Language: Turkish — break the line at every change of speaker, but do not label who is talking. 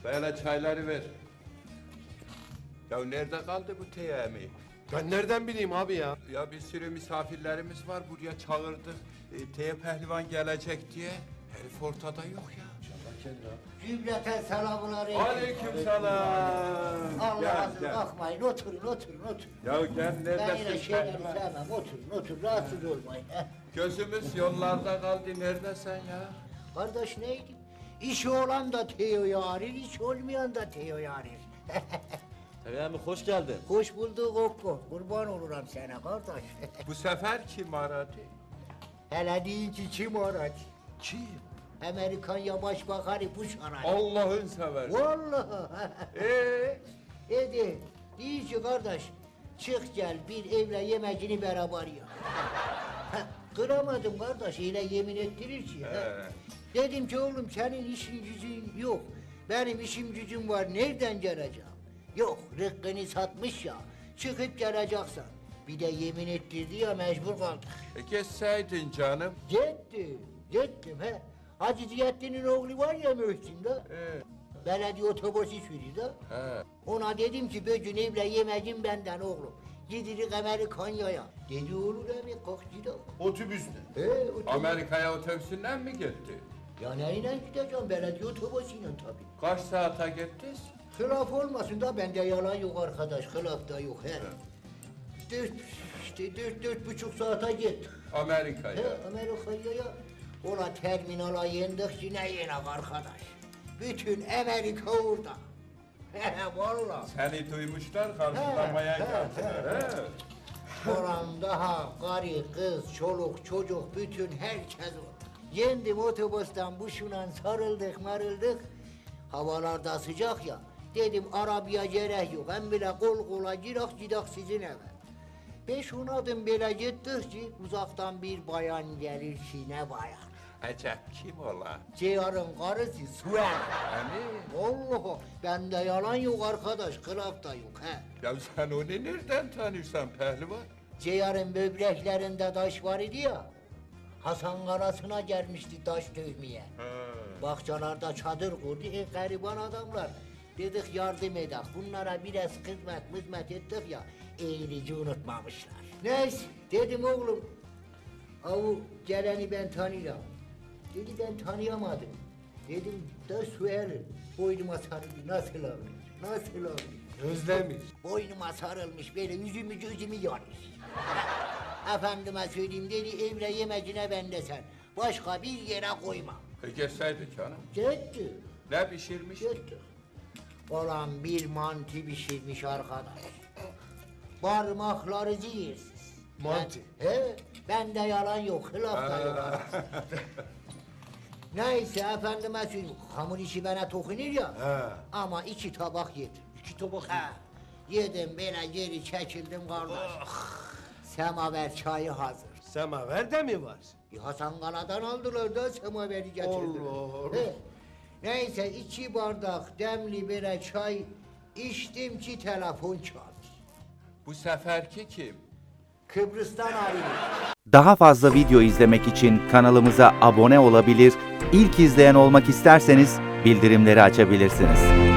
Böyle çayları ver. Ya nerede kaldı bu teyami?
Ben nereden bileyim abi ya?
Ya bir sürü misafirlerimiz var buraya çağırdık. Teye pehlivan gelecek diye. Herif ortada yok ya.
Cümleten selamun aleyküm.
Aleykümselam.
Allah razı bakmayın, oturun.
Ya gel
Ben yine
neredesin
şeyleri
pehlivan?
sevmem, oturun, rahatsız olmayın.
Gözümüz yollarda kaldı. Neredesin ya?
Kardeş neydi? İşi olan da Teo'yu arir, iş olmayan da Teo'yu arir.
Teyami hoş geldin.
Hoş bulduk Okko, kurban olurum sana kardeş.
Bu sefer kim aradı?
Hele deyin ki kim aradı?
Kim?
Amerikan Başbakanı Bush aradı.
Allah'ın seversen.
Vallahi. Edi, deyin ki kardeş, çık gel bir evle yemecini beraber ya. Kıramadım kardeş, öyle yemin ettirir ki. Dedim ki oğlum senin işin gücün yok. Benim işim gücüm var, nereden geleceğim? Yok, rıkkını satmış ya, çıkıp geleceksin. Bir de yemin ettirdi ya, mecbur kaldık.
Geçseydin canım.
Gittim he. Hacı Ziyaddin'in oğlu var ya Mühsin de. Belediye otobüsü sürüyor da.
He.
Ona dedim ki bugün evle yemecin benden oğlum. Gidirik Amerikanya'ya. Dedi olur abi kalk gidelim.
Otobüsle.
Otobüs.
Amerika'ya otobüsünden mi gitti?
Ya neyle gideceğim belediye otobüsüyle tabii.
Kaç saate gittiniz?
Hılaf olmasın da bende yalan yok arkadaş, hılaf da yok he. Dört buçuk saate gittik.
Amerika'ya.
Amerika'ya ola terminala yendik yine yenek arkadaş. Bütün Amerika orada. Vallahi.
Seni duymuşlar, karşılamaya geldiler. He.
Oran daha karı, kız, çoluk, çocuk, bütün herkes orada. Yendim otobüsten buşuna sarıldık marıldık. Havalarda sıcak ya. Dedim arabaya gerek yok. Hem bile kol kola gidak sizin eve. 5-10 adım böyle gittik ki uzaktan bir bayan gelir ki ne bayan.
Acep kim ola?
Ceyar'ın karısı Suel.
Hani?
Allah bende yalan yok arkadaş, kılaf da yok he.
Ya sen onu nereden tanıyorsun pehlivan?
Ceyar'ın böbreklerinde taş var idi ya. Hasan Karası'na gelmişti taş dövmeye. Bahçelerde çadır kurdu, gariban adamlar. Dedik yardım edek, bunlara biraz hizmet ettik ya, eğilici unutmamışlar. Neyse, dedim oğlum, avu geleni ben tanıyorum. Dedi ben tanıyamadım. Dedim da Suel'in boynuma sarıldı, nasıl olmuş?
Özlemiş.
Boynuma sarılmış, böyle yüzümü gözümü yanmış. Efendime söyleyeyim dedi, evle yemecine bende sen. Başka bir yere koyma.
Geçseydin canım.
Gitti.
Ne pişirmiş?
Gitti. Olan bir mantı pişirmiş arkadaş. Parmakları zehirsiz.
Mantı.
Bende yalan yok, hılaf da yok. Neyse efendime söyleyeyim, hamur işi bana tokunur ya. Ama 2 tabak yedim.
2 tabak.
Yedim böyle geri çekildim kardeş. Semaver çayı hazır.
Semaver de mi var?
Hasan Kala'dan aldılar da semaveri getirdiler.
Allah.
Neyse 2 bardak demli böyle çay içtim ki telefon çaldı.
Bu seferki kim?
Kıbrıs'tan arıyor.
Daha fazla video izlemek için kanalımıza abone olabilir, ilk izleyen olmak isterseniz bildirimleri açabilirsiniz.